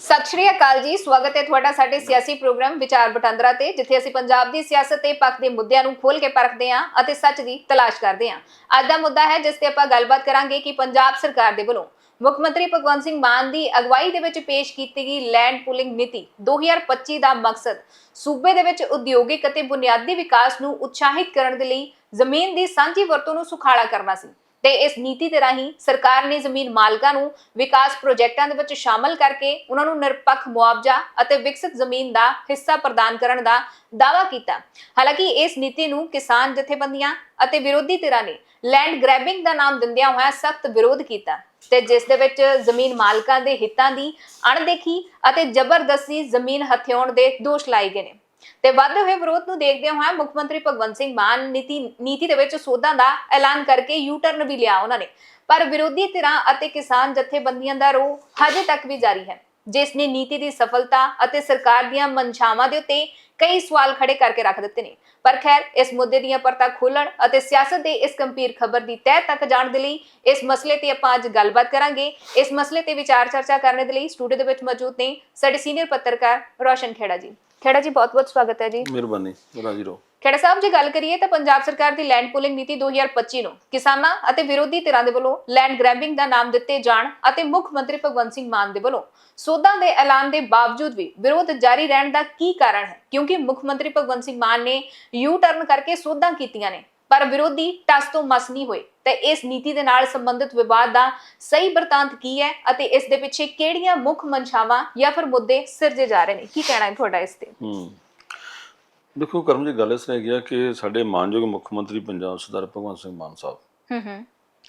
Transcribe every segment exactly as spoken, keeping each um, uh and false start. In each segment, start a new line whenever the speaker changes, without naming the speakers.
ਸਤਿ ਸ਼੍ਰੀ ਅਕਾਲ ਜੀ, ਸਵਾਗਤ ਹੈ ਤੁਹਾਡਾ ਸਾਡੇ ਸਿਆਸੀ ਪ੍ਰੋਗਰਾਮ ਵਿਚਾਰ ਵਟਾਂਦਰਾ ਤੇ, ਜਿੱਥੇ ਅਸੀਂ ਪੰਜਾਬ ਦੀ ਸਿਆਸਤ ਤੇ ਪੱਖ ਦੇ ਮੁੱਦਿਆਂ ਨੂੰ ਖੋਲ ਕੇ ਪਰਖਦੇ ਹਾਂ ਅਤੇ ਸੱਚ ਦੀ ਤਲਾਸ਼ ਕਰਦੇ ਹਾਂ। ਅੱਜ ਦਾ ਮੁੱਦਾ ਹੈ ਜਿਸ ਤੇ ਆਪਾਂ ਗੱਲਬਾਤ ਕਰਾਂਗੇ ਕਿ ਪੰਜਾਬ ਸਰਕਾਰ ਦੇ ਵੱਲੋਂ ਮੁੱਖ ਮੰਤਰੀ ਭਗਵੰਤ ਸਿੰਘ ਮਾਨ ਦੀ ਅਗਵਾਈ ਦੇ ਵਿੱਚ ਪੇਸ਼ ਕੀਤੀ ਗਈ ਲੈਂਡ ਪੂਲਿੰਗ ਨੀਤੀ ਦੋ ਹਜ਼ਾਰ ਪੱਚੀ ਦਾ ਮਕਸਦ ਸੂਬੇ ਦੇ ਵਿੱਚ ਉਦਯੋਗਿਕ ਅਤੇ ਬੁਨਿਆਦੀ ਵਿਕਾਸ ਨੂੰ ਉਤਸ਼ਾਹਿਤ ਕਰਨ ਦੇ ਲਈ ਜ਼ਮੀਨ ਦੀ ਸਾਂਝੀ ਵਰਤੋਂ ਨੂੰ ਸੁਖਾਲਾ ਕਰਨਾ ਸੀ। ਤੇ ਇਸ ਨੀਤੀ ਦੇ ਰਾਹੀਂ ਸਰਕਾਰ ਨੇ ਜ਼ਮੀਨ ਮਾਲਕਾਂ ਨੂੰ ਵਿਕਾਸ ਪ੍ਰੋਜੈਕਟਾਂ ਦੇ ਵਿੱਚ ਸ਼ਾਮਲ ਕਰਕੇ ਉਹਨਾਂ ਨੂੰ ਨਿਰਪੱਖ ਮੁਆਵਜ਼ਾ ਅਤੇ ਵਿਕਸਿਤ ਜ਼ਮੀਨ ਦਾ ਹਿੱਸਾ ਪ੍ਰਦਾਨ ਕਰਨ ਦਾ ਦਾਅਵਾ ਕੀਤਾ। ਹਾਲਾਂਕਿ ਇਸ ਨੀਤੀ ਨੂੰ ਕਿਸਾਨ ਜਥੇਬੰਦੀਆਂ ਅਤੇ ਵਿਰੋਧੀ ਧਿਰਾਂ ਨੇ ਲੈਂਡ ਗ੍ਰੈਬਿੰਗ ਦਾ ਨਾਮ ਦਿੰਦਿਆਂ ਹੋਇਆ ਸਖਤ ਵਿਰੋਧ ਕੀਤਾ, ਤੇ ਜਿਸ ਦੇ ਵਿੱਚ ਜ਼ਮੀਨ ਮਾਲਕਾਂ ਦੇ ਹਿੱਤਾਂ ਦੀ ਅਣਦੇਖੀ ਅਤੇ ਜ਼ਬਰਦਸਤੀ ਜ਼ਮੀਨ ਹਥਿਆਉਣ ਦੇ ਦੋਸ਼ ਲਾਏ ਗਏ ਨੇ। ਤੇ ਵਧਦੇ ਹੋਏ ਵਿਰੋਧ ਨੂੰ ਦੇਖਦੇ ਹੋਏ ਮੁੱਖ ਮੰਤਰੀ ਭਗਵੰਤ ਸਿੰਘ ਮਾਨ ਨੀਤੀ ਨੀਤੀ ਦੇ ਵਿੱਚ ਸੋਧਾਂ ਦਾ ਐਲਾਨ ਕਰਕੇ ਯੂ ਟਰਨ ਵੀ ਲਿਆ ਉਹਨਾਂ ਨੇ, ਪਰ ਵਿਰੋਧੀ ਧਿਰਾਂ ਅਤੇ ਕਿਸਾਨ ਜਥੇਬੰਦੀਆਂ ਦਾ ਰੋਹ ਹਜੇ ਤੱਕ ਵੀ ਜਾਰੀ ਹੈ, ਜਿਸ ਨੇ ਨੀਤੀ ਦੀ ਸਫਲਤਾ ਅਤੇ ਸਰਕਾਰ ਦੀਆਂ ਮਨਸ਼ਾਵਾਂ ਦੇ ਉੱਤੇ ਕਈ ਸਵਾਲ ਖੜੇ ਕਰਕੇ ਰੱਖ ਦਿੱਤੇ ਨੇ। ਪਰ ਖੈਰ, ਇਸ ਮੁੱਦੇ ਦੀਆਂ ਪਰਤਾਂ ਖੋਲਣ ਅਤੇ ਸਿਆਸਤ ਦੇ ਇਸ ਗੰਭੀਰ ਖਬਰ ਦੀ ਤਹਿ ਤੱਕ ਜਾਣ ਦੇ ਲਈ ਇਸ ਮਸਲੇ ਤੇ ਆਪਾਂ ਅੱਜ ਗੱਲਬਾਤ ਕਰਾਂਗੇ। ਇਸ ਮਸਲੇ ਤੇ ਵਿਚਾਰ ਚਰਚਾ ਕਰਨ ਦੇ ਲਈ ਸਟੂਡੀਓ ਦੇ ਵਿੱਚ ਮੌਜੂਦ ਨੇ ਸਾਡੇ ਸੀਨੀਅਰ ਪੱਤਰਕਾਰ ਰੋਸ਼ਨ ਖੇੜਾ ਜੀ। ਖੇੜਾ ਜੀ, ਬਹੁਤ ਬਹੁਤ ਸਵਾਗਤ ਹੈ ਜੀ।
ਮਿਹਰਬਾਨੀ ਰਾਜੀ ਰੋ।
ਖੇੜਾ ਸਾਹਿਬ, ਜੇ ਗੱਲ ਕਰੀਏ ਤਾਂ ਪੰਜਾਬ ਸਰਕਾਰ ਦੀ ਲੈਂਡ ਪੂਲਿੰਗ ਨੀਤੀ ਦੋ ਹਜ਼ਾਰ ਪੱਚੀ ਨੂੰ ਕਿਸਾਨਾਂ ਅਤੇ ਵਿਰੋਧੀ ਧਿਰਾਂ ਦੇ ਵੱਲੋਂ ਲੈਂਡ ਗ੍ਰੈਬਿੰਗ ਦਾ ਨਾਮ ਦਿੱਤੇ ਜਾਣ ਅਤੇ ਮੁੱਖ ਮੰਤਰੀ ਭਗਵੰਤ ਸਿੰਘ ਮਾਨ ਦੇ ਵੱਲੋਂ ਸੋਧਾਂ ਦੇ ਐਲਾਨ ਦੇ ਬਾਵਜੂਦ ਵੀ ਵਿਰੋਧ ਜਾਰੀ ਰਹਿਣ ਦਾ ਕੀ ਕਾਰਨ ਹੈ? ਕਿਉਂਕਿ ਮੁੱਖ ਮੰਤਰੀ ਭਗਵੰਤ ਸਿੰਘ ਮਾਨ ਨੇ ਯੂ ਟਰਨ ਕਰਕੇ ਸੋਧਾਂ ਕੀਤੀਆਂ ਨੇ, ਪਰ ਵਿਰੋਧੀ ਟਸ ਤੋਂ ਮਸ ਨਹੀਂ ਹੋਏ। ਤੇ ਇਸ ਨੀਤੀ ਦੇ ਨਾਲ ਸੰਬੰਧਿਤ ਵਿਵਾਦ ਦਾ ਸਹੀ ਬਰਤਾਂਤ ਕੀ ਹੈ ਅਤੇ ਇਸ ਦੇ ਪਿੱਛੇ ਕਿਹੜੀਆਂ ਮੁੱਖ ਮਨਸ਼ਾਵਾਂ ਜਾਂ ਫਿਰ ਮੁੱਦੇ ਸਿਰਜੇ ਜਾ ਰਹੇ ਨੇ? ਕੀ ਕਹਿਣਾ ਹੈ ਤੁਹਾਡਾ ਇਸ ਤੇ?
ਹੂੰ ਦੇਖੋ ਕਰਮ ਜੀ, ਗੱਲ ਇਸ ਤਰ੍ਹਾਂ ਹੈਗੀ ਆ ਕਿ ਸਾਡੇ ਮਾਨਯੋਗ ਮੁੱਖ ਮੰਤਰੀ ਪੰਜਾਬ ਸਰਦਾਰ ਭਗਵੰਤ ਸਿੰਘ ਮਾਨ ਸਾਹਿਬ
ਹੂੰ ਹੂੰ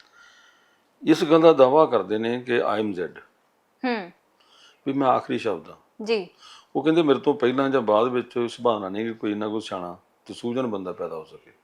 ਇਸ ਗੱਲ ਦਾ ਦਾਅਵਾ ਕਰਦੇ ਨੇ ਕਿ ਆਈ ਐਮ ਜ਼ੈਡ,
ਹੂੰ
ਵੀ ਮੈਂ ਆਖਰੀ ਸ਼ਬਦ ਹਾਂ
ਜੀ।
ਉਹ ਕਹਿੰਦੇ ਮੇਰੇ ਤੋਂ ਪਹਿਲਾਂ ਜਾਂ ਬਾਅਦ ਵਿੱਚ ਸੁਭਾਵਨਾ ਨਹੀਂ ਕਿ ਕੋਈ ਇੰਨਾ ਕੁਝ ਸਿਆਣਾ ਤੇ ਸੂਝਣ ਬੰਦਾ ਪੈਦਾ ਹੋ ਸਕੇ।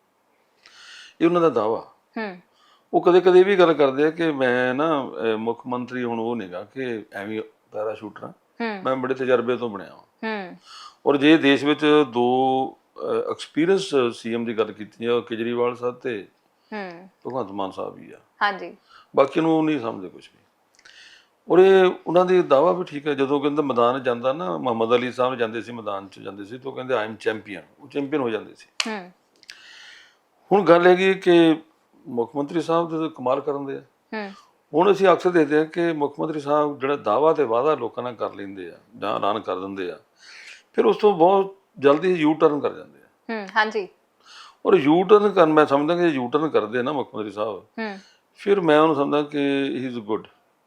ਇਹ ਉਹਨਾਂ ਦਾ ਦਾਅਵਾ।
ਹੂੰ
ਉਹ ਕਦੇ ਕਦੇ ਇਹ ਵੀ ਗੱਲ ਕਰਦੇ ਆ ਕਿ ਮੈਂ ਨਾ ਮੁੱਖ ਮੰਤਰੀ ਹੁਣ ਉਹ ਨਹੀਂਗਾ ਕਿ ਐਵੇਂ ਪੈਰਾਸ਼ੂਟਰ ਹਾਂ, ਮੈਂ ਬੜੇ ਤਜਰਬੇ ਤੋਂ ਬਣਿਆ ਹਾਂ।
ਹੂੰ
ਔਰ ਜੇ ਦੇਸ਼ ਵਿੱਚ ਦੋ ਐਕਸਪੀਰੀਅੰਸ ਸੀਐਮ ਦੀ ਗੱਲ ਕੀਤੀ ਹੈ, ਕੇਜਰੀਵਾਲ ਸਾਹਿਬ ਤੇ
ਹੂੰ
ਭਗਵੰਤ ਮਾਨ ਸਾਹਿਬ ਵੀ ਆ,
ਹਾਂਜੀ,
ਬਾਕੀ ਨੂੰ ਨਹੀਂ ਸਮਝਦੇ ਕੁਝ ਵੀ। ਔਰ ਇਹ ਉਹਨਾਂ ਦੀ ਦਾਅਵਾ ਵੀ ਠੀਕ ਹੈ। ਜਦੋਂ ਕਹਿੰਦਾ ਮੈਦਾਨ ਜਾਂਦਾ ਨਾ, ਮੁਹੰਮਦ ਅਲੀ ਸਾਹਿਬ ਜਾਂਦੇ ਸੀ ਮੈਦਾਨ 'ਚ ਜਾਂਦੇ ਸੀ, ਤਾਂ ਉਹ ਕਹਿੰਦੇ ਆਈ ਐਮ ਚੈਂਪੀਅਨ, ਉਹ ਚੈਂਪੀਅਨ ਹੋ ਜਾਂਦੇ ਸੀ।
ਹੂੰ
ਹੁਣ ਗੱਲ ਹੈਗੀ ਕਿ ਮੁੱਖ ਮੰਤਰੀ ਸਾਹਿਬ ਦੇ ਕਮਾਲ ਕਰਨ ਦੇ ਆ।
ਹੂੰ
ਹੁਣ ਅਸੀਂ ਅਕਸਰ ਦੇਖਦੇ ਹਾਂ ਕਿ ਮੁੱਖ ਮੰਤਰੀ ਸਾਹਿਬ ਜਿਹੜਾ ਦਾਅਵਾ ਤੇ ਵਾਅਦਾ ਲੋਕਾਂ ਨਾਲ ਕਰ ਲੈਂਦੇ ਆ ਜਾਂ ਐਲਾਨ ਕਰ ਦਿੰਦੇ ਆ, ਫਿਰ ਉਸ ਤੋਂ ਬਹੁਤ ਜਲਦੀ ਯੂ ਟਰਨ ਕਰ ਜਾਂਦੇ ਆ।
ਹੂੰ ਹਾਂਜੀ।
ਔਰ ਯੂ ਟਰਨ ਕਰਨ, ਮੈਂ ਸਮਝਦਾ ਕਿ ਯੂ ਟਰਨ ਕਰਦੇ ਨਾ ਮੁੱਖ ਮੰਤਰੀ ਸਾਹਿਬ,
ਹੂੰ
ਫਿਰ ਮੈਂ ਉਹਨੂੰ ਸਮਝਦਾ ਕਿ ਹੀ ਇਜ਼ ਗੁੱਡ।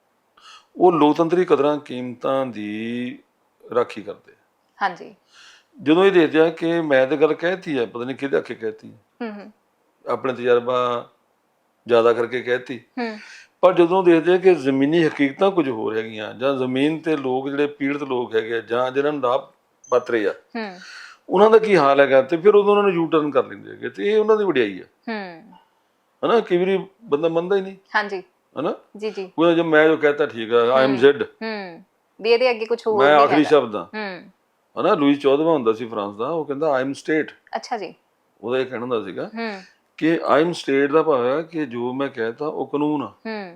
ਉਹ ਲੋਕਤੰਤਰੀ ਕਦਰਾਂ ਕੀਮਤਾਂ ਦੀ ਰਾਖੀ ਕਰਦੇ।
ਹਾਂਜੀ।
ਜਦੋਂ ਇਹ ਦੇਖਦੇ ਆ ਕਿ ਮੈਂ ਤਾਂ ਗੱਲ ਕਹਿਤੀ ਹੈ, ਪਤਾ ਨਹੀਂ ਕਿਹਦੇ ਆਖੇ ਕਹਿਤੀ,
ਹੂੰ ਹੂੰ
ਆਪਣੇ ਤਜਰਬਾ ਜ਼ਿਆਦਾ ਕਰਕੇ ਕਹਿਤੀ,
ਹੂੰ
ਪਰ ਜਦੋਂ ਦੇਖਦੇ ਆ ਕਿ ਜ਼ਮੀਨੀ ਹਕੀਕਤਾਂ ਕੁਝ ਹੋਰ ਹੈਗੀਆਂ, ਜਾਂ ਜ਼ਮੀਨ ਤੇ ਲੋਕ ਜਿਹੜੇ ਪੀੜਤ ਲੋਕ ਹੈਗੇ ਜਾਂ ਜਿਹਨਾਂ ਨੂੰ ਲਾਭ ਪਾਤਰੇ ਆ,
ਹੂੰ
ਉਹਨਾਂ ਦਾ ਕੀ ਹਾਲ ਹੈਗਾ, ਤੇ ਫਿਰ ਉਦੋਂ ਉਹਨਾਂ ਨੂੰ ਯੂ ਟਰਨ ਕਰ ਲੈਂਦੇ ਹੈਗੇ। ਤੇ ਇਹ ਉਹਨਾਂ ਦੀ ਵਡਿਆਈ ਆ,
ਹੂੰ
ਹਨਾ। ਕਈ ਵਾਰੀ ਬੰਦਾ ਮੰਨਦਾ ਹੀ ਨਹੀਂ,
ਹਾਂਜੀ,
ਹਨਾ।
ਜੀ ਜੀ।
ਉਹ ਜਦ ਮੈਂ ਜੋ ਕਹਤਾ ਠੀਕ ਹੈ, ਆਈ ਐਮ ਜ਼ੈਡ,
ਹੂੰ ਵੀ ਇਹਦੇ ਅੱਗੇ ਕੁਝ ਹੋਰ
ਮੈਂ
ਨਹੀਂ
ਆਖਰੀ
ਹੈਗਾ।
ਸ਼ਬਦ ਹਾਂ,
ਹੂੰ
ਹਨਾ। ਲੂਈ ਚੌਦਵਾਂ ਹੁੰਦਾ ਸੀ ਫਰਾਂਸ ਦਾ, ਉਹ ਕਹਿੰਦਾ ਆਈ ਐਮ ਸਟੇਟ।
ਅੱਛਾ ਜੀ।
ਉਹਦਾ ਇਹ ਕਹਿਣਾ ਹੁੰਦਾ ਸੀਗਾ
ਹੂੰ
ਕਿ ਆਈ ਐਮ ਸਟੇਟ ਦਾ ਭਾਵ ਹੈ ਕਿ ਜੋ ਮੈਂ ਕਹਿਤਾ ਉਹ ਕਾਨੂੰਨ ਆ,
ਹੂੰ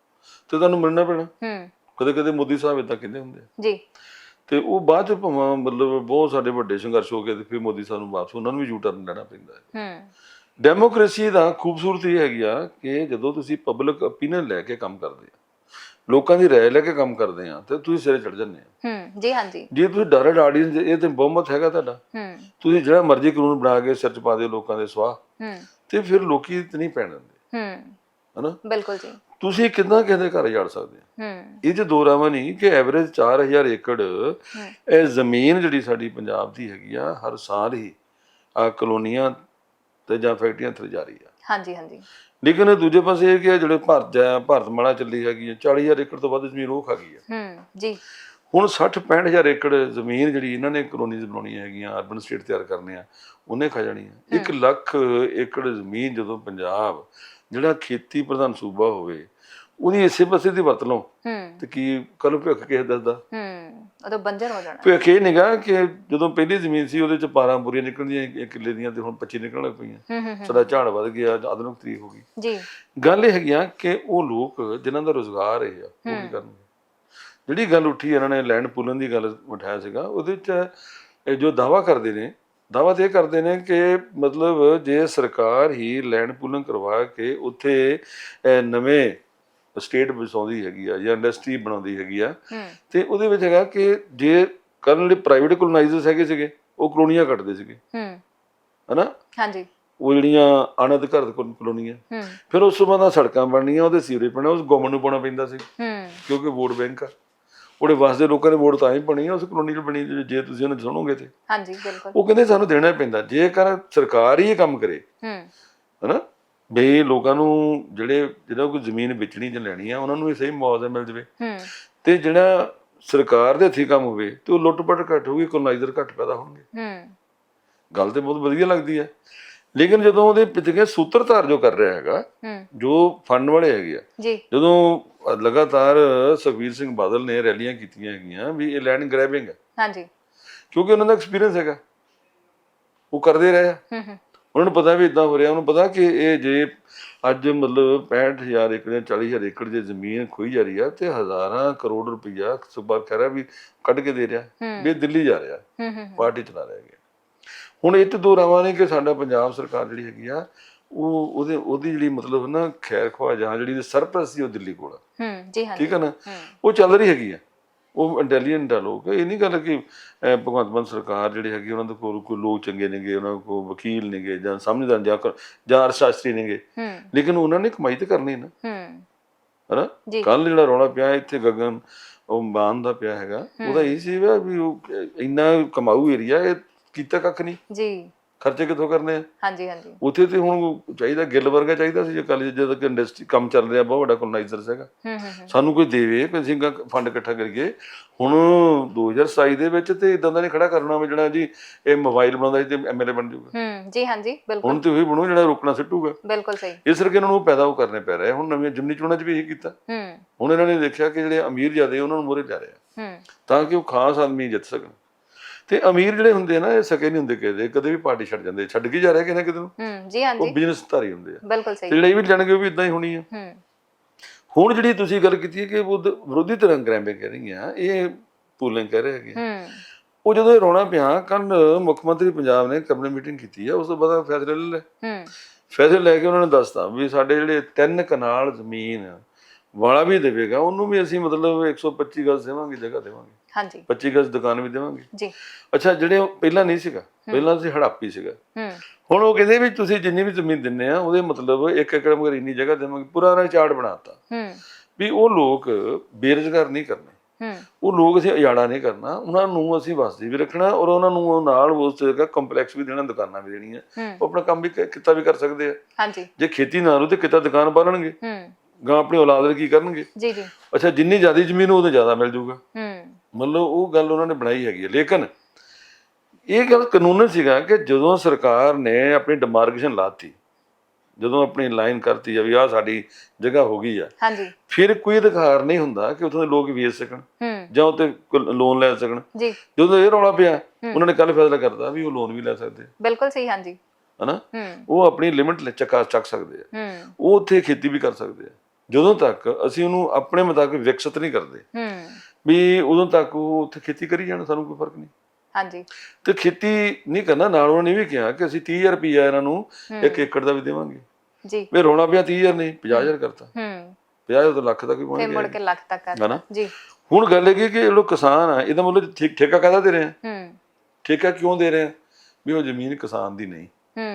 ਤੇ ਤੁਹਾਨੂੰ ਮੰਨਣਾ ਪੈਣਾ।
ਹੂੰ
ਕਦੇ ਕਦੇ ਮੋਦੀ ਸਾਹਿਬ ਏਦਾਂ ਕਹਿੰਦੇ ਹੁੰਦੇ ਆ,
ਜੀ।
ਤੇ ਉਹ ਬਾਅਦ ਚ ਭਾਵੇਂ ਮਤਲਬ ਬਹੁਤ ਸਾਡੇ ਵੱਡੇ ਸੰਘਰਸ਼ ਹੋ ਗਏ ਤੇ ਫਿਰ ਮੋਦੀ ਸਾਹਿਬ ਨੂੰ ਵਾਪਸ ਉਹਨਾਂ ਨੂੰ ਵੀ ਯੂ ਟਰਨ ਲੈਣਾ ਪੈਂਦਾ ਹੈ।
ਹੂੰ
ਡੈਮੋਕ੍ਰੇਸੀ ਦਾ ਖੂਬਸੂਰਤੀ ਇਹ ਹੈਗੀ ਆ ਕਿ ਜਦੋਂ ਤੁਸੀਂ ਪਬਲਿਕ ਓਪੀਨੀਅਨ ਲੈ ਕੇ ਕੰਮ ਕਰਦੇ ਆ, ਲੋਕਾਂ ਦੀ ਰਾਏ ਲੈ ਕੇ ਕੰਮ ਕਰਦੇ ਆ, ਤੇ ਤੁਸੀਂ ਸਿਰੇ ਚੜ ਜਾਂਦੇ ਆ।
ਹੂੰ ਜੀ ਹਾਂਜੀ।
ਜੇ ਤੁਸੀਂ ਡਾਇਰੈਕਟ ਆਡੀਅנס, ਇਹ ਤੇ ਬਹੁਮਤ ਹੈਗਾ ਤੁਹਾਡਾ,
ਹੂੰ
ਤੁਸੀਂ ਜਿਹੜਾ ਮਰਜ਼ੀ ਕਾਨੂੰਨ ਬਣਾ ਕੇ ਸਿਰ ਚ ਪਾ ਦਿਓ ਲੋਕਾਂ ਦੇ ਸਵਾਹ,
ਹੂੰ
ਤੇ ਫਿਰ ਲੋਕੀ ਤੇ ਨਹੀਂ ਪੈਣ ਦਿੰਦੇ,
ਹੂੰ
ਹਨਾ।
ਬਿਲਕੁਲ ਜੀ।
ਤੁਸੀਂ ਕਿੱਦਾਂ ਕਿਸੇ ਦੇ ਘਰ ਜਾੜ ਸਕਦੇ ਆ?
ਹੂੰ
ਇਹ 'ਚ ਦੋ ਰਾਵਾਂ ਨਹੀਂ ਕਿ ਐਵਰੇਜ ਚਾਰ ਹਜ਼ਾਰ ਏਕੜ ਇਹ ਜ਼ਮੀਨ ਜਿਹੜੀ ਸਾਡੀ ਪੰਜਾਬ ਦੀ ਹੈਗੀ ਆ, ਹਰ ਸਾਲ ਹੀ ਆ ਕਲੋਨੀਆਂ ਤੇ ਜਾਂ ਫੈਕਟਰੀਆਂ ਥੱਲੇ ਜਾ ਰਹੀ ਆ।
ਹਾਂਜੀ ਹਾਂਜੀ।
ਲੇਕਿਨ ਦੂਜੇ ਪਾਸੇ ਇਹ ਕਿ ਜਿਹੜੇ ਭਾਰਤ ਜਾਂ ਭਾਰਤ ਮਾਲਾ ਚੱਲੀ ਹੈਗੀ ਆ, ਚਾਲੀ ਹਜ਼ਾਰ ਏਕੜ ਤੋਂ ਵੱਧ ਜ਼ਮੀਨ ਉਹ ਖਾ ਗਈ ਆ।
ਹੂੰ ਜੀ।
ਹੁਣ ਸੱਠ ਪੈਂਹਠ ਹਜ਼ਾਰ ਏਕੜ ਜ਼ਮੀਨ ਜਿਹੜੀ ਇਹਨਾਂ ਨੇ ਕਲੋਨੀਜ਼ ਬਣਾਉਣੀਆਂ ਹੈਗੀਆਂ, ਅਰਬਨ ਸਟੇਟ ਤਿਆਰ ਕਰਨੇ ਆ, ਉਹਨੇ ਖਾ ਜਾਣੀ ਆ। ਇੱਕ ਲੱਖ ਏਕੜ ਜ਼ਮੀਨ ਜਦੋਂ ਪੰਜਾਬ ਜਿਹੜਾ ਖੇਤੀ ਪ੍ਰਧਾਨ ਸੂਬਾ ਹੋਵੇ, ਉਹਦੀ ਇਸੇ ਪਾਸੇ ਦੀ ਵਰਤ ਲਓ, ਤੇ ਕੀ ਕੱਲ ਭਿੱਖ ਕਿਸੇ ਦੱਸਦਾ?
ਹੂੰ ਉਦੋਂ ਬੰਜਰ ਹੋ ਜਾਣਾ।
ਭਿੱਖ ਇਹ ਨਿਗਾ ਕਿ ਜਦੋਂ ਪਹਿਲੀ ਜ਼ਮੀਨ ਸੀ ਉਹਦੇ ਚ ਬਾਰਾਂ ਬੁਰੀਆਂ ਨਿਕਲਦੀਆਂ ਇੱਕ ਕਿੱਲੇ ਦੀਆਂ, ਤੇ ਹੁਣ ਪੱਚੀ ਨਿਕਲਣ ਲੱਗ ਪਈਆਂ। ਸਾਡਾ ਝਾੜ ਵੱਧ ਗਿਆ, ਆਧੁਨਿਕ ਤਰੀਕ ਹੋ ਗਈ ਜੀ। ਗੱਲ ਇਹ ਹੈਗੀ ਆ ਕਿ ਉਹ ਲੋਕ ਜਿਨ੍ਹਾਂ ਦਾ ਰੁਜ਼ਗਾਰ ਇਹ ਆ, ਉਹ ਕੀ ਕਰਨਗੇ? ਜਿਹੜੀ ਗੱਲ ਉੱਠੀ ਇਹਨਾਂ ਨੇ ਲੈਂਡ ਪੂਲਨ ਦੀ ਗੱਲ ਉਠਾਇਆ ਸੀਗਾ, ਉਹਦੇ ਵਿੱਚ ਇਹ ਜੋ ਦਾਅਵਾ ਕਰਦੇ ਨੇ, ਦਾਅਵਾ ਤੇ ਇਹ ਕਰਦੇ ਨੇ ਕਿ ਮਤਲਬ ਜੇ ਸਰਕਾਰ ਹੀ ਲੈਂਡ ਪੂਲਿੰਗ ਕਰਵਾ ਕੇ ਉੱਥੇ ਨਵੇਂ ਸਟੇਟ ਵਸਾਉਂਦੀ ਹੈਗੀ ਆ ਜਾਂ ਇੰਡਸਟਰੀ ਬਣਾਉਂਦੀ ਹੈਗੀ ਆ, ਤੇ ਉਹਦੇ ਵਿੱਚ ਹੈਗਾ ਕਿ ਜੇ ਕਰਨ ਜਿਹੜੇ ਪ੍ਰਾਈਵੇਟ ਕੋਲੋਨਾਈਜ਼ਰਸ ਹੈਗੇ ਸੀਗੇ ਉਹ ਕਲੋਨੀਆਂ ਕੱਟਦੇ ਸੀਗੇ, ਹਨਾ, ਹਾਂਜੀ, ਉਹ ਜਿਹੜੀਆਂ ਅਣਅਧਿਕਾਰਤ ਕਲੋਨੀਆਂ, ਫਿਰ ਉਸ ਤੋਂ ਬਾਅਦ ਸੜਕਾਂ ਬਣਨੀਆਂ, ਉਹਦੇ ਸੀਵਰੇਜ ਪੈਣਾ, ਉਸ ਗਵਰਨਮੈਂਟ ਨੂੰ ਪਾਉਣਾ ਪੈਂਦਾ ਸੀ ਕਿਉਂਕਿ ਵੋਟ ਬੈਂਕ ਆ, ਉਹਦੇ ਵਸਦੇ ਲੋਕਾਂ ਨੇ ਵੋਟ ਤਾਂ ਹੀ ਬਣੀ ਆ ਉਸ ਕਲੋਨੀ 'ਚ ਬਣੀ, ਜੇ ਤੁਸੀਂ ਉਹਨੂੰ ਸੁਣੋਗੇ ਤੇ ਹਾਂਜੀ ਬਿਲਕੁਲ ਉਹ ਕਹਿੰਦੇ ਸਾਨੂੰ ਦੇਣਾ ਪੈਂਦਾ, ਜੇਕਰ ਸਰਕਾਰ ਹੀ ਇਹ ਕੰਮ ਕਰੇ ਹਨਾ ਵੀ ਲੋਕਾਂ ਨੂੰ ਜਿਹੜੇ ਜਿਹੜਾ ਕੋਈ ਜ਼ਮੀਨ ਵੇਚਣੀ ਜਾਂ ਲੈਣੀ ਆ ਉਹਨਾਂ ਨੂੰ ਵੀ ਸਹੀ ਮੁਆਵਜ਼ਾ ਮਿਲ ਜਾਵੇ, ਤੇ ਜਿਹੜਾ ਸਰਕਾਰ ਦੇ ਹੱਥੀਂ ਕੰਮ ਹੋਵੇ ਤੇ ਉਹ ਲੁੱਟ ਪੱਟ ਘੱਟ ਹੋਊਗੀ, ਕੋਲੋਨਾਈਜ਼ਰ ਘੱਟ ਪੈਦਾ ਹੋਣਗੇ। ਗੱਲ ਤੇ ਬਹੁਤ ਵਧੀਆ ਲੱਗਦੀ ਹੈ, ਲੇਕਿਨ ਜਦੋਂ ਉਹਦੇ ਪਿੱਛੇ ਸੂਤਰਧਾਰ ਜੋ ਕਰ ਰਿਹਾ ਹੈਗਾ, ਜੋ ਫੰਡ ਵਾਲੇ ਹੈਗੇ ਆ, ਜਦੋਂ ਲਗਾਤਾਰ ਸੁਖਬੀਰ ਸਿੰਘ ਬਾਦਲ ਨੇ ਰੈਲੀਆਂ ਕੀਤੀਆਂ ਹੈਗੀਆਂ ਵੀ ਇਹ ਲੈਂਡ ਗ੍ਰੈਬਿੰਗ ਹੈ, ਹਾਂਜੀ, ਕਿਉਂਕਿ ਉਹਨਾਂ ਦਾ ਐਕਸਪੀਰੀਅੰਸ ਹੈਗਾ, ਉਹ ਕਰਦੇ ਰਹੇ ਆ, ਉਹਨਾਂ ਨੂੰ ਪਤਾ ਵੀ ਇਦਾਂ ਹੋ ਰਿਹਾ, ਉਹਨੂੰ ਪਤਾ ਕਿ ਇਹ ਜੇ ਅੱਜ ਮਤਲਬ ਪੈਂਹਠ ਹਜ਼ਾਰ ਏਕੜ ਜਾਂ ਚਾਲੀ ਹਜ਼ਾਰ ਏਕੜ ਜੇ ਜ਼ਮੀਨ ਖੋਈ ਜਾ ਰਹੀ ਆ ਤੇ ਹਜ਼ਾਰਾਂ ਕਰੋੜ ਰੁਪਈਆ ਸੁਖਬੀਰ ਕਹਿ ਰਿਹਾ ਵੀ ਕੱਢ ਕੇ ਦੇ ਰਿਹਾ ਵੀ ਦਿੱਲੀ ਜਾ ਰਿਹਾ, ਪਾਰਟੀ ਚਲਾ ਰਿਹਾ ਹੈਗਾ। ਹੁਣ ਇਹ ਤੇ ਦੋ ਰਾਵਾਂ ਨੇ ਕਿ ਸਾਡਾ ਪੰਜਾਬ ਸਰਕਾਰ ਜਿਹੜੀ ਹੈਗੀ ਆ ਉਹ ਉਹਦੇ ਉਹਦੀ ਜਿਹੜੀ ਮਤਲਬ ਨਾ ਖੈਰ ਖਵਾ ਜਾਂ ਜਿਹੜੀ ਸਰਪ੍ਰਸਤੀ ਉਹ ਦਿੱਲੀ ਕੋਲ ਆ, ਠੀਕ ਹੈ ਨਾ, ਉਹ ਚੱਲ ਰਹੀ ਹੈਗੀ ਆ, ਉਹ ਇੰਟੈਲੀਜੈਂਟ ਆ ਲੋਕ, ਇਹ ਨਹੀਂ ਗੱਲ ਕਿ ਭਗਵੰਤ ਮਾਨ ਸਰਕਾਰ ਜਿਹੜੀ ਹੈਗੀ ਉਹਨਾਂ ਦੇ ਕੋਲ ਕੋਈ ਲੋਕ ਚੰਗੇ ਨੇਗੇ, ਉਹਨਾਂ ਕੋਲ ਵਕੀਲ ਨੇਗੇ ਜਾਂ ਸਮਝਦਾਰ ਜਾਂ ਜਾਂ ਅਰਥਸ਼ਾਸਤਰੀ ਨੇਗੇ, ਲੇਕਿਨ ਉਹਨਾਂ ਨੇ ਕਮਾਈ ਤੇ ਕਰਨੀ ਨਾ, ਹਨਾ। ਕੱਲ ਜਿਹੜਾ ਰੌਲਾ ਪਿਆ ਇੱਥੇ ਗਗਨ ਉਹ ਬਾਨ ਦਾ ਪਿਆ ਹੈਗਾ, ਉਹਦਾ ਇਹ ਸੀ ਵੀ ਉਹ ਇੰਨਾ ਕਮਾਊ ਏਰੀਆ, ਇਹ ਕੀਤਾ ਕੱਖ ਨਹੀਂ ਜੀ, ਖਰਚੇ ਕਿੱਥੋਂ ਕਰਨੇ ਆ, ਹਾਂਜੀ ਹਾਂਜੀ, ਉੱਥੇ ਤੇ ਹੁਣ ਚਾਹੀਦਾ ਗਿੱਲ ਵਰਗਾ ਚਾਹੀਦਾ ਸੀ, ਜੇ ਕੱਲ ਜਦੋਂ ਕਿ ਇੰਡਸਟਰੀ ਕੰਮ ਚੱਲ ਰਿਹਾ ਬਹੁਤ ਵੱਡਾ ਕੋਲੋਨਾਈਜ਼ਰ ਹੈਗਾ, ਸਾਨੂੰ ਕੋਈ ਦੇਵੇ, ਕੋਈ ਅਸੀਂ ਫੰਡ ਇਕੱਠਾ ਕਰੀਏ। ਹੁਣ ਦੋ ਹਜ਼ਾਰ ਸਤਾਈ ਦੇ ਵਿੱਚ ਤੇ ਇਦਾਂ ਦਾ ਨਹੀਂ ਖੜਾ ਕਰਨਾ ਵੀ ਜਿਹੜਾ ਜੀ ਇਹ ਮੋਬਾਈਲ ਬਣਾਉਂਦਾ ਸੀ ਤੇ ਐਮਐਲਏ ਬਣ ਜਾਊਗਾ, ਜੀ ਹਾਂਜੀ ਬਿਲਕੁਲ, ਹੁਣ ਤੇ ਉਹੀ ਬਣੂ ਜਿਹੜਾ ਰੋਕਣਾ ਸਿੱਟੂਗਾ, ਬਿਲਕੁਲ ਸਹੀ, ਇਸ ਕਰਕੇ ਇਹਨਾਂ ਨੂੰ ਪੈਦਾ ਉਹ ਕਰਨੇ ਪੈ ਰਹੇ। ਹੁਣ ਨਵੀਆਂ ਜਿਮਨੀ ਚੋਣਾਂ 'ਚ ਵੀ ਇਹੀ ਕੀਤਾ, ਹੁਣ ਇਹਨਾਂ ਨੇ ਦੇਖਿਆ ਕਿ ਜਿਹੜੇ ਅਮੀਰ ਜ਼ਿਆਦੇ ਉਹਨਾਂ ਨੂੰ ਮੋਹਰੇ ਲਿਆ ਰਿਹਾ ਤਾਂ ਕਿ ਉਹ ਖਾਸ ਆਦਮੀ ਜਿੱਤ ਸਕਣ, ਤੇ ਅਮੀਰ ਜਿਹੜੇ ਹੁੰਦੇ ਆ ਨਾ ਇਹ ਸਕੇ ਨਹੀਂ ਹੁੰਦੇ ਕਿਸੇ, ਕਦੇ ਵੀ ਪਾਰਟੀ ਛੱਡ ਜਾਂਦੇ, ਛੱਡ ਕੇ ਜਾ ਰਿਹਾ ਕਿਸੇ ਨਾ ਕਿਤੇ ਨੂੰ, ਜੀ ਹਾਂਜੀ, ਉਹ ਬਿਜ਼ਨਸ ਧਾਰੀ ਹੁੰਦੇ ਆ, ਬਿਲਕੁਲ ਸਹੀ, ਜਿਹੜੇ ਵੀ ਜਾਣਗੇ ਉਹ ਵੀ ਇਦਾਂ ਹੀ ਹੋਣੀ ਆ। ਹੁਣ ਜਿਹੜੀ ਤੁਸੀਂ ਗੱਲ ਕੀਤੀ ਹੈ ਕਿ ਵਿਰੋਧੀ ਧਿਰਾਂ ਗ੍ਰੈਬਿੰਗ ਕਹਿ ਰਹੀਆਂ, ਇਹ ਪੂਲਿੰਗ ਕਹਿ ਰਹੇ ਹੈਗੇ, ਉਹ ਜਦੋਂ ਇਹ ਰੌਲਾ ਪਿਆ, ਕੱਲ ਮੁੱਖ ਮੰਤਰੀ ਪੰਜਾਬ ਨੇ ਕੈਬਨਿਟ ਮੀਟਿੰਗ ਕੀਤੀ ਆ, ਉਸ ਤੋਂ ਬਾਅਦ ਫੈਸਲੇ ਲੈ ਲਏ, ਫੈਸਲੇ ਲੈ ਕੇ ਉਹਨਾਂ ਨੇ ਦੱਸਤਾ ਵੀ ਸਾਡੇ ਜਿਹੜੇ ਤਿੰਨ ਕਨਾਲ ਜ਼ਮੀਨ ਵਾਲਾ ਵੀ ਦੇਵੇਗਾ ਉਹਨੂੰ ਵੀ ਅਸੀਂ ਮਤਲਬ ਇੱਕ ਸੌ ਪੱਚੀ ਗਜ਼ ਦੇਵਾਂਗੇ, ਜਗ੍ਹਾ ਦੇਵਾਂਗੇ, ਹਾਂਜੀ, ਪੱਚੀ ਗਜ਼ ਦੁਕਾਨ ਵੀ ਦੇਵਾਂਗੇ ਜੀ। ਅੱਛਾ, ਜਿਹੜੇ ਪਹਿਲਾਂ ਨਹੀਂ ਸੀਗਾ, ਪਹਿਲਾਂ ਸੀ ਹੜਾਪੀ ਸੀਗਾ, ਹੁਣ ਉਹ ਕਹਿੰਦੇ ਵੀ ਤੁਸੀਂ ਜਿੰਨੀ ਵੀ ਜ਼ਮੀਨ ਦਿੰਦੇ ਆ ਉਹਦੇ ਮਤਲਬ ਇੱਕ ਏਕੜ ਮਗਰ ਇੰਨੀ ਜਗ੍ਹਾ ਦੇਵਾਂਗੇ, ਪੂਰਾ ਉਹਨਾਂ ਚਾਰਟ ਬਣਾਤਾ ਵੀ ਉਹ ਲੋਕ ਬੇਰੁਜ਼ਗਾਰ ਨਹੀਂ ਕਰਨੇ, ਉਹ ਲੋਕ ਅਸੀਂ ਉਜਾੜਾ ਨਹੀਂ ਕਰਨਾ, ਉਹਨਾਂ ਨੂੰ ਅਸੀਂ ਵਸਦੀ ਵੀ ਰੱਖਣਾ, ਔਰ ਉਹਨਾਂ ਨੂੰ ਨਾਲ ਉਸ ਜਗ੍ਹਾ ਕੰਪਲੈਕਸ ਵੀ ਦੇਣਾ, ਦੁਕਾਨਾਂ ਵੀ ਦੇਣੀਆਂ, ਉਹ ਆਪਣਾ ਕੰਮ ਵੀ ਕਿੱਤਾ ਵੀ ਕਰ ਸਕਦੇ ਆ, ਜੇ ਖੇਤੀ ਨਾ ਰਹੂ ਤੇ ਕਿੱਤਾ ਦੁਕਾਨ ਪਾਲਣਗੇ, ਗਾਂ ਆਪਣੀ ਔਲਾਦ ਲਈ ਕੀ ਕਰਨਗੇ, ਜੀ ਜੀ। ਅੱਛਾ, ਜਿੰਨੀ ਜ਼ਿਆਦਾ ਜ਼ਮੀਨ ਉਹਦੇ ਜ਼ਿਆਦਾ ਮਿਲ ਜੂਗਾ, ਮਤਲਬ ਉਹ ਗੱਲ ਉਹਨਾਂ ਨੇ ਬਣਾਈ ਹੈਗੀ ਹੈ। ਲੇਕਿਨ ਇਹ ਗੱਲ ਕਾਨੂੰਨ ਸੀਗਾ ਕਿ ਜਦੋਂ ਸਰਕਾਰ ਨੇ ਆਪਣੀ ਡਿਮਾਰਕੇਸ਼ਨ ਲਾਤੀ, ਜਦੋਂ ਆਪਣੀ ਲਾਈਨ ਕਰਤੀ ਆ ਵੀ ਆਹ ਸਾਡੀ ਜਗ੍ਹਾ ਹੋ ਗਈ ਆ, ਫਿਰ ਕੋਈ ਅਧਿਕਾਰ ਨਹੀਂ ਹੁੰਦਾ ਕਿ ਉੱਥੋਂ ਦੇ ਲੋਕ ਵੇਚ ਸਕਣ ਜਾਂ ਉੱਤੇ ਲੋਨ ਲੈ ਸਕਣ। ਜਦੋਂ ਇਹ ਰੌਲਾ ਪਿਆ, ਉਹਨਾਂ ਨੇ ਕੱਲ ਫੈਸਲਾ ਕਰਤਾ ਵੀ ਉਹ ਲੋਨ ਵੀ ਲੈ ਸਕਦੇ, ਬਿਲਕੁਲ ਸਹੀ, ਹਾਂਜੀ, ਹਨਾ, ਉਹ ਆਪਣੀ ਲਿਮਿਟ ਚੱਕਾ ਚੱਕ ਸਕਦੇ ਆ, ਉਹ ਉੱਥੇ ਖੇਤੀ ਵੀ ਕਰ ਸਕਦੇ ਆ, ਜਦੋਂ ਤੱਕ ਅਸੀਂ ਉਹਨੂੰ ਆਪਣੇ ਮੁਤਾਬਿਕ ਵਿਕਸਿਤ ਨਹੀਂ ਕਰਦੇ ਵੀ ਉਦੋਂ ਤੱਕ ਉਹ ਉੱਥੇ ਖੇਤੀ ਕਰੀ ਜਾਣ, ਸਾਨੂੰ ਕੋਈ ਫਰਕ ਨਹੀਂ, ਹਾਂਜੀ। ਤੇ ਖੇਤੀ ਨਹੀਂ ਕਰਨਾ, ਨਾਲ ਉਹਨਾਂ ਨੇ ਵੀ ਕਿਹਾ ਕਿ ਅਸੀਂ ਤੀਹ ਹਜ਼ਾਰ ਰੁਪਈਆ ਇਹਨਾਂ ਨੂੰ ਇੱਕ ਏਕੜ ਦਾ ਵੀ ਦੇਵਾਂਗੇ ਜੀ, ਵੀ ਰੌਲਾ ਪਿਆ ਤੀਹ ਹਜ਼ਾਰ ਨਹੀਂ ਪੰਜਾਹ ਹਜ਼ਾਰ ਕਰਤਾ, ਪੰਜਾਹ ਹਜ਼ਾਰ ਤੋਂ ਲੱਖ ਤੱਕ ਵੀ ਪਹੁੰਚ ਗਿਆ, ਮੁੜ ਕੇ ਲੱਖ ਤੱਕ ਕਰਤਾ ਜੀ। ਹੁਣ ਗੱਲ ਇਹ ਕਿ ਜਿਹੜੇ ਕਿਸਾਨ ਆ, ਇਹਦਾ ਮਤਲਬ ਠੇਕਾ ਕਾਹਦਾ ਦੇ ਰਹੇ ਆ, ਠੇਕਾ ਕਿਉਂ ਦੇ ਰਹੇ ਆ ਵੀ ਉਹ ਜ਼ਮੀਨ ਕਿਸਾਨ ਦੀ ਨਹੀਂ,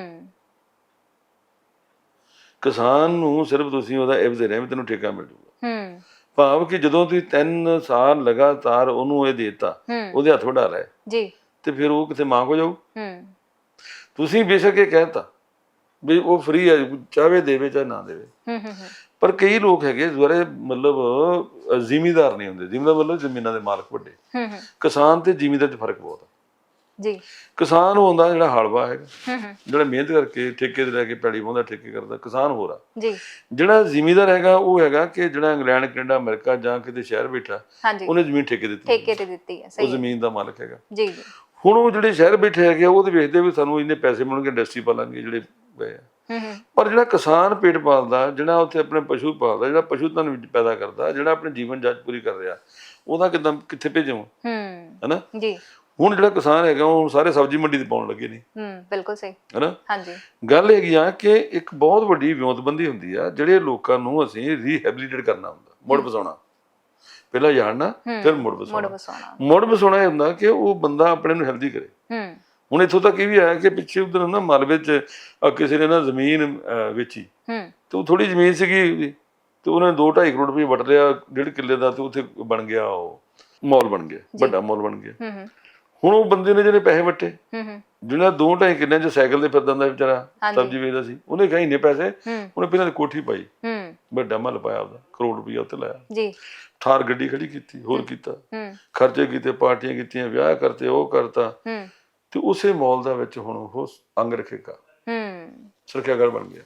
ਕਿਸਾਨ ਨੂੰ ਸਿਰਫ ਤੁਸੀਂ ਉਹਦਾ ਇਵਜ਼ ਦੇ ਰਹੇ ਵੀ ਤੈਨੂੰ ਠੇਕਾ ਮਿਲ ਜੂਗਾ, ਭਾਵ ਕਿ ਜਦੋਂ ਤੁਸੀਂ ਤਿੰਨ ਸਾਲ ਲਗਾਤਾਰ ਉਹਨੂੰ ਇਹ ਦੇਤਾ, ਉਹਦੇ ਹੱਥ ਵਡਾ ਲਏ ਜੀ, ਤੇ ਫਿਰ ਉਹ ਕਿਤੇ ਮੰਗ ਹੋ ਜਾਊ। ਤੁਸੀਂ ਬੇਸ਼ੱਕ ਇਹ ਕਹਿਤਾ ਵੀ ਉਹ ਫ੍ਰੀ ਹੈ, ਚਾਹੇ ਦੇਵੇ ਚਾਹੇ ਨਾ ਦੇਵੇ, ਪਰ ਕਈ ਲੋਕ ਹੈਗੇ ਜਿਹੜੇ ਮਤਲਬ ਜ਼ਿਮੀਦਾਰ ਨਹੀਂ ਹੁੰਦੇ, ਜ਼ਿਮੀਦਾਰ ਮਤਲਬ ਜ਼ਮੀਨਾਂ ਦੇ ਮਾਲਕ ਵੱਡੇ, ਕਿਸਾਨ ਤੇ ਜ਼ਿਮੀਦਾਰ 'ਚ ਫਰਕ ਬਹੁਤ ਆ ਜੀ। ਕਿਸਾਨ ਉਹ ਹੁੰਦਾ ਜਿਹੜਾ ਹਲਵਾ ਹੈਗਾ, ਜਿਹੜਾ ਮਿਹਨਤ ਕਰਕੇ ਠੇਕੇ ਤੇ ਲੈ ਕੇ ਪੈੜੀ ਵਾਹੁੰਦਾ, ਠੇਕੇ ਕਰਦਾ, ਕਿਸਾਨ ਹੋਰ ਆ ਜੀ। ਜਿਹੜਾ ਜ਼ਿਮੀਦਾਰ ਹੈਗਾ ਉਹ ਹੈਗਾ ਕਿ ਜਿਹੜਾ ਇੰਗਲੈਂਡ, ਕੈਨੇਡਾ, ਅਮਰੀਕਾ ਜਾਂ ਕਿਤੇ ਸ਼ਹਿਰ ਬੈਠਾ, ਉਹਨੇ ਜ਼ਮੀਨ ਠੇਕੇ ਦਿੱਤੀ, ਠੇਕੇ ਤੇ ਦਿੱਤੀ ਹੈ, ਉਹ ਜ਼ਮੀਨ ਦਾ ਮਾਲਕ ਹੈਗਾ ਜੀ। ਹੁਣ ਉਹ ਜਿਹੜੇ ਸ਼ਹਿਰ ਬੈਠੇ ਹੈਗੇ ਉਹ ਤੇ ਵੇਖਦੇ ਵੀ ਸਾਨੂੰ ਇੰਨੇ ਪੈਸੇ ਮਿਲਣਗੇ, ਇੰਡਸਟਰੀ ਪਾਲਾਂਗੇ ਜਿਹੜੇ ਗਏ ਆ,
ਹੂੰ ਹੂੰ
ਪਰ ਜਿਹੜਾ ਕਿਸਾਨ ਪੇਟ ਪਾਲਦਾ, ਜਿਹੜਾ ਉੱਥੇ ਆਪਣੇ ਪਸ਼ੂ ਪਾਲਦਾ, ਜਿਹੜਾ ਪਸ਼ੂ ਧਨ ਵਿੱਚ ਪੈਦਾ ਕਰਦਾ, ਜਿਹੜਾ ਆਪਣੇ ਜੀਵਨ ਜਾਂਚ ਪੂਰੀ ਕਰ ਰਿਹਾ, ਉਹਦਾ ਕਿੱਦਾਂ ਕਿੱਥੇ ਭੇਜਾਂ
ਹੂੰ
ਹਨਾ।
ਜੀ
ਹੁਣ ਜਿਹੜਾ ਕਿਸਾਨ ਹੈਗਾ ਉਹ ਸਾਰੇ ਸਬਜ਼ੀ ਮੰਡੀ ਤੇ ਪਾਉਣ ਲੱਗੇ ਨੇ
ਹੂੰ ਬਿਲਕੁਲ ਸਹੀ
ਹਨਾ।
ਹਾਂਜੀ
ਗੱਲ ਹੈਗੀ ਆ ਕਿ ਇੱਕ ਬਹੁਤ ਵੱਡੀ ਵਿਉਂਤਬੰਦੀ ਹੁੰਦੀ ਆ, ਜਿਹੜੇ ਲੋਕਾਂ ਨੂੰ ਅਸੀਂ ਰੀਹੈਬਿਲਿਟੇਟ ਕਰਨਾ ਹੁੰਦਾ, ਮੁੜ ਵਸਾਉਣਾ। ਪਹਿਲਾਂ ਜਾਣਨਾ ਫਿਰ ਮੁੜ
ਮੁੜ
ਵਸਾਉਣਾ।
ਵਸਾਉਣਾ
ਮੁੜ ਵਸਾਉਣਾ ਇਹ ਹੁੰਦਾ ਕਿ ਉਹ ਬੰਦਾ ਆਪਣੇ ਨੂੰ ਹੈਲਦੀ ਕਰੇ।
ਹੂੰ
ਹੁਣ ਇੱਥੋਂ ਤੱਕ ਇਹ ਵੀ ਆਇਆ ਕਿ ਪਿੱਛੇ ਉਧਰ ਨਾ ਮਾਲਵੇ 'ਚ ਅਹ ਕਿਸੇ ਨੇ ਨਾ ਜ਼ਮੀਨ ਅਹ ਵੇਚੀ,
ਹੂੰ
ਤੇ ਉਹ ਥੋੜੀ ਜ਼ਮੀਨ ਸੀਗੀ ਉਹਦੀ, ਤੇ ਉਹਨੇ ਦੋ ਢਾਈ ਕਰੋੜ ਰੁਪਏ ਵਟ ਲਿਆ ਡੇਢ ਕਿੱਲੇ ਦਾ, ਤੇ ਉੱਥੇ ਬਣ ਗਿਆ ਉਹ ਮਾਲ ਬਣ ਗਿਆ, ਵੱਡਾ ਮਾਲ ਬਣ ਗਿਆ।
ਹੂੰ ਹੂੰ
ਹੁਣ ਉਹ ਬੰਦੇ ਨੇ ਜਿਹਨੇ ਪੈਸੇ ਵੱਟੇ,
ਹੂੰ ਹੂੰ
ਜਿਹੜਾ ਦੋ ਢਾਈ ਕਿੱਲਿਆਂ 'ਚ ਸਾਈਕਲ ਤੇ ਫਿਰਦਾ ਹੁੰਦਾ ਵਿਚਾਰਾ, ਸਬਜ਼ੀ ਵੇਚਦਾ ਸੀ, ਉਹਨੇ ਕਹੀ ਇੰਨੇ ਪੈਸੇ,
ਹੂੰ
ਉਹਨੇ ਪਹਿਲਾਂ ਕੋਠੀ ਪਾਈ,
ਹੂੰ
ਵੱਡਾ ਮਹੱਲ ਪਾਇਆ, ਉਹਦਾ ਕਰੋੜ ਰੁਪਈਆ ਉੱਤੇ ਲਾਇਆ,
ਜੀ
ਥਾਰ ਗੱਡੀ ਖੜੀ ਕੀਤੀ, ਹੋਰ ਕੀਤਾ,
ਹੂੰ
ਖਰਚੇ ਕੀਤੇ, ਪਾਰਟੀਆਂ ਕੀਤੀਆਂ, ਵਿਆਹ ਕਰਤੇ, ਉਹ ਕਰਤਾ,
ਹੂੰ
ਤੇ ਉਸੇ ਮਾਲ ਦਾ ਵਿੱਚ ਹੁਣ ਉਹ ਅੰਗ ਰੱਖੇਗਾ,
ਹੂੰ
ਸੁਰੱਖਿਆ ਗੜ ਬਣ ਗਿਆ।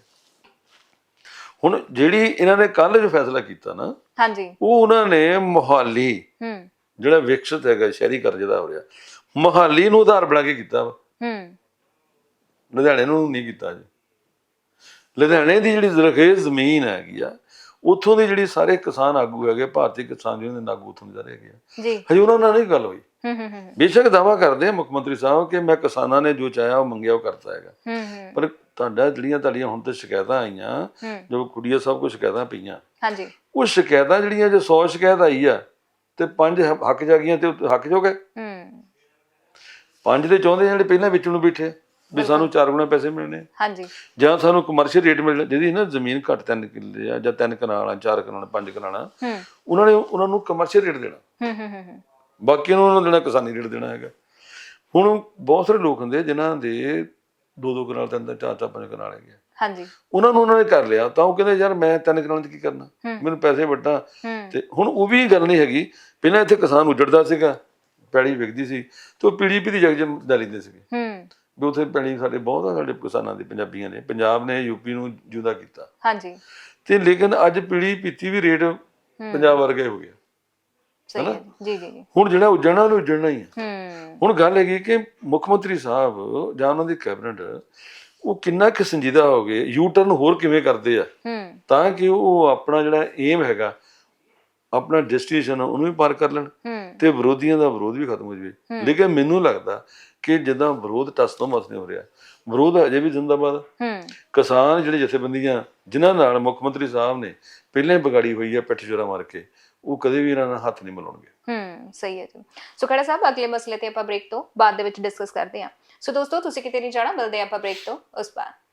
ਹੁਣ ਜਿਹੜੀ ਇਹਨਾਂ ਨੇ ਕੱਲ ਜੋ ਫੈਸਲਾ ਕੀਤਾ ਨਾ,
ਹਾਂਜੀ
ਉਹ ਉਹਨਾਂ ਨੇ ਮੁਹਾਲੀ
ਹੂੰ
ਜਿਹੜਾ ਵਿਕਸਿਤ ਹੈਗਾ ਸ਼ਹਿਰੀਕਰਨ ਜਿਹਦਾ ਹੋ ਰਿਹਾ, ਮੁਹਾਲੀ ਨੂੰ ਆਧਾਰ ਬਣਾ ਕੇ ਕੀਤਾ ਵਾ,
ਹੂੰ
ਲੁਧਿਆਣੇ ਨੂੰ ਨਹੀਂ ਕੀਤਾ ਜੀ। ਲੁਧਿਆਣੇ ਦੀ ਜਿਹੜੀ ਜ਼ਰਖੇਜ਼ ਜ਼ਮੀਨ ਹੈਗੀ ਆ, ਉੱਥੋਂ ਦੇ ਜਿਹੜੇ ਸਾਰੇ ਕਿਸਾਨ ਆਗੂ ਹੈਗੇ, ਭਾਰਤੀ ਕਿਸਾਨ ਯੂਨੀਅਨ ਦੇ ਆਗੂ ਉੱਥੋਂ ਦੇ ਸਾਰੇ ਹੈਗੇ ਆ,
ਜੀ
ਹਜੇ ਉਹਨਾਂ ਨਾਲ ਨਹੀਂ ਗੱਲ ਹੋਈ।
ਹੂੰ ਹੂੰ ਹੂੰ
ਬੇਸ਼ੱਕ ਦਾਵਾ ਕਰਦੇ ਆ ਮੁੱਖ ਮੰਤਰੀ ਸਾਹਿਬ ਕਿ ਮੈਂ ਕਿਸਾਨਾਂ ਨੇ ਜੋ ਚਾਹਿਆ ਉਹ ਮੰਗਿਆ ਉਹ ਕਰਤਾ ਹੈਗਾ,
ਹੂੰ ਹੂੰ
ਪਰ ਤੁਹਾਡਾ ਜਿਹੜੀਆਂ ਤੁਹਾਡੀਆਂ ਹੁਣ ਤੇ ਸ਼ਿਕਾਇਤਾਂ ਆਈਆਂ,
ਹੂੰ
ਜੋ ਕੁੜੀਆਂ ਸਭ ਕੁਝ ਸ਼ਿਕਾਇਤਾਂ ਪਈਆਂ,
ਹਾਂਜੀ
ਉਹ ਸ਼ਿਕਾਇਤਾਂ ਜਿਹੜੀਆਂ ਜੇ ਸੌ ਸ਼ਿਕਾਇਤ ਆਈ ਆ ਤੇ ਪੰਜ ਹ- ਹੱਕ ਜਾ ਗਈਆਂ ਤੇ ਉਹ ਹੱਕ ਜੋ ਗਏ,
ਹੂੰ
ਪੰਜ ਦੇ ਚਾਹੁੰਦੇ ਜਿਹੜੇ ਪਹਿਲਾਂ ਵਿੱਚੋਂ ਨੂੰ ਬੈਠੇ ਵੀ ਸਾਨੂੰ ਚਾਰ ਗੁਣਾ ਪੈਸੇ ਮਿਲਣੇ,
ਹਾਂਜੀ
ਜਾਂ ਸਾਨੂੰ ਕਮਰਸ਼ੀਅਲ ਰੇਟ ਮਿਲਣਾ, ਜਿਹਦੀ ਨਾ ਜ਼ਮੀਨ ਘੱਟ ਤਿੰਨ ਕਿੱਲੇ ਆ ਜਾਂ ਤਿੰਨ ਕਨਾਲਾਂ, ਚਾਰ ਕਨਾਲਾਂ, ਪੰਜ ਕਨਾਲਾਂ,
ਹੂੰ
ਉਹਨਾਂ ਨੇ ਉਹਨਾਂ ਨੂੰ ਕਮਰਸ਼ੀਅਲ ਰੇਟ ਦੇਣਾ,
ਹੂੰ ਹੂੰ ਹੂੰ
ਬਾਕੀ ਨੂੰ ਉਹਨਾਂ ਨੂੰ ਦੇਣਾ ਕਿਸਾਨੀ ਰੇਟ ਦੇਣਾ ਹੈਗਾ। ਹੁਣ ਬਹੁਤ ਸਾਰੇ ਲੋਕ ਹੁੰਦੇ ਜਿਨ੍ਹਾਂ ਦੇ ਦੋ ਦੋ ਕਨਾਲ, ਤਿੰਨ ਤਿੰਨ, ਚਾਰ ਚਾਰ, ਪੰਜ ਕਨਾਲ ਹੈਗੇ ਆ,
ਹਾਂਜੀ
ਉਹਨਾਂ ਨੂੰ ਉਹਨਾਂ ਨੇ ਕਰ ਲਿਆ, ਤਾਂ ਉਹ ਕਹਿੰਦੇ ਯਾਰ ਮੈਂ ਤਿੰਨ ਕਨਾਲਾਂ 'ਚ ਕੀ ਕਰਨਾ, ਮੈਨੂੰ ਪੈਸੇ ਵੱਟਾਂ।
ਹੂੰ
ਤੇ ਹੁਣ ਉਹ ਵੀ ਗੱਲ ਨਹੀਂ ਹੈਗੀ, ਪਹਿਲਾਂ ਇੱਥੇ ਕਿਸਾਨ ਉੱਜੜਦਾ ਸੀਗਾ, ਪੈਲੀ ਵਿਕਦੀ ਸੀ, ਤੇ ਉਹ ਪੀੜੀ ਪੀੜੀ ਜਗ ਜਮ ਲੈ ਲੈਂਦੇ ਸੀਗੇ
ਹੂੰ
ਵੀ ਉੱਥੇ ਪੈਲੀ ਸਾਡੇ ਬਹੁਤ ਆ, ਸਾਡੇ ਕਿਸਾਨਾਂ ਦੇ, ਪੰਜਾਬੀਆਂ ਨੇ, ਪੰਜਾਬ ਨੇ ਯੂਪੀ ਨੂੰ ਜੁਦਾ ਕੀਤਾ,
ਹਾਂਜੀ
ਤੇ ਲੇਕਿਨ ਅੱਜ ਪੀੜੀ ਪੀਤੀ ਵੀ ਰੇਟ ਪੰਜਾਬ ਵਰਗੇ ਹੋ ਗਿਆ।
ਸਹੀ ਹੈ ਜੀ ਜੀ ਜੀ
ਹੁਣ ਜਿਹੜਾ ਉੱਜੜਨਾ ਉਹਨੂੰ ਉੱਜੜਨਾ ਹੀ ਹੈ।
ਹੂੰ
ਹੁਣ ਗੱਲ ਹੈਗੀ ਕਿ ਮੁੱਖ ਮੰਤਰੀ ਸਾਹਿਬ ਜਾਂ ਉਹਨਾਂ ਦੀ ਕੈਬਨਿਟ ਉਹ ਕਿੰਨਾ ਕੁ ਸੰਜੀਦਾ ਹੋ ਗਏ, ਯੂ ਟਰਨ ਹੋਰ ਕਿਵੇਂ ਕਰਦੇ ਆ,
ਹੂੰ
ਤਾਂ ਕਿ ਉਹ ਆਪਣਾ ਜਿਹੜਾ ਏਮ ਹੈਗਾ, ਆਪਣਾ ਡੈਸਟੀਨੇਸ਼ਨ ਉਹਨੂੰ ਵੀ ਪਾਰ ਕਰ ਲੈਣ,
ਹੂੰ
ਤੇ ਵਿਰੋਧੀਆਂ ਦਾ ਵਿਰੋਧ ਵੀ ਖਤਮ ਹੋ ਜਾਵੇ। ਲੇਕਿਨ ਮੈਨੂੰ ਲੱਗਦਾ ਕਿ ਜਿੱਦਾਂ ਵਿਰੋਧ ਟਸ ਤੋਂ ਮਸ ਨਹੀਂ ਹੋ ਰਿਹਾ, ਵਿਰੋਧ ਅਜੇ ਵੀ ਜ਼ਿੰਦਾਬਾਦ।
ਹੂੰ
ਕਿਸਾਨ ਜਿਹੜੇ ਜਥੇਬੰਦੀਆਂ ਜਿਨ੍ਹਾਂ ਨਾਲ ਮੁੱਖ ਮੰਤਰੀ ਸਾਹਿਬ ਨੇ ਪਹਿਲਾਂ ਹੀ ਵਿਗਾੜੀ ਹੋਈ ਆ ਪਿੱਠ ਜੋਰਾ ਮਾਰ ਕੇ, ਉਹ ਕਦੇ ਵੀ ਇਹਨਾਂ ਨਾਲ ਹੱਥ ਨਹੀਂ ਮਿਲਾਉਣਗੇ।
ਹੂੰ ਸਹੀ ਹੈ ਜੀ। ਸੋ ਖੜਾ ਸਾਹਿਬ, ਅਗਲੇ ਮਸਲੇ ਤੇ ਆਪਾਂ ਬ੍ਰੇਕ ਤੋਂ ਬਾਅਦ ਦੇ ਵਿੱਚ ਡਿਸਕਸ ਕਰਦੇ ਹਾਂ। ਸੋ ਦੋਸਤੋ, ਤੁਸੀਂ ਕਿਤੇ ਨਹੀਂ ਜਾਣਾ, ਮਿਲਦੇ ਆਪਾਂ ਬ੍ਰੇਕ ਤੋਂ ਉਸ ਬਾਅਦ।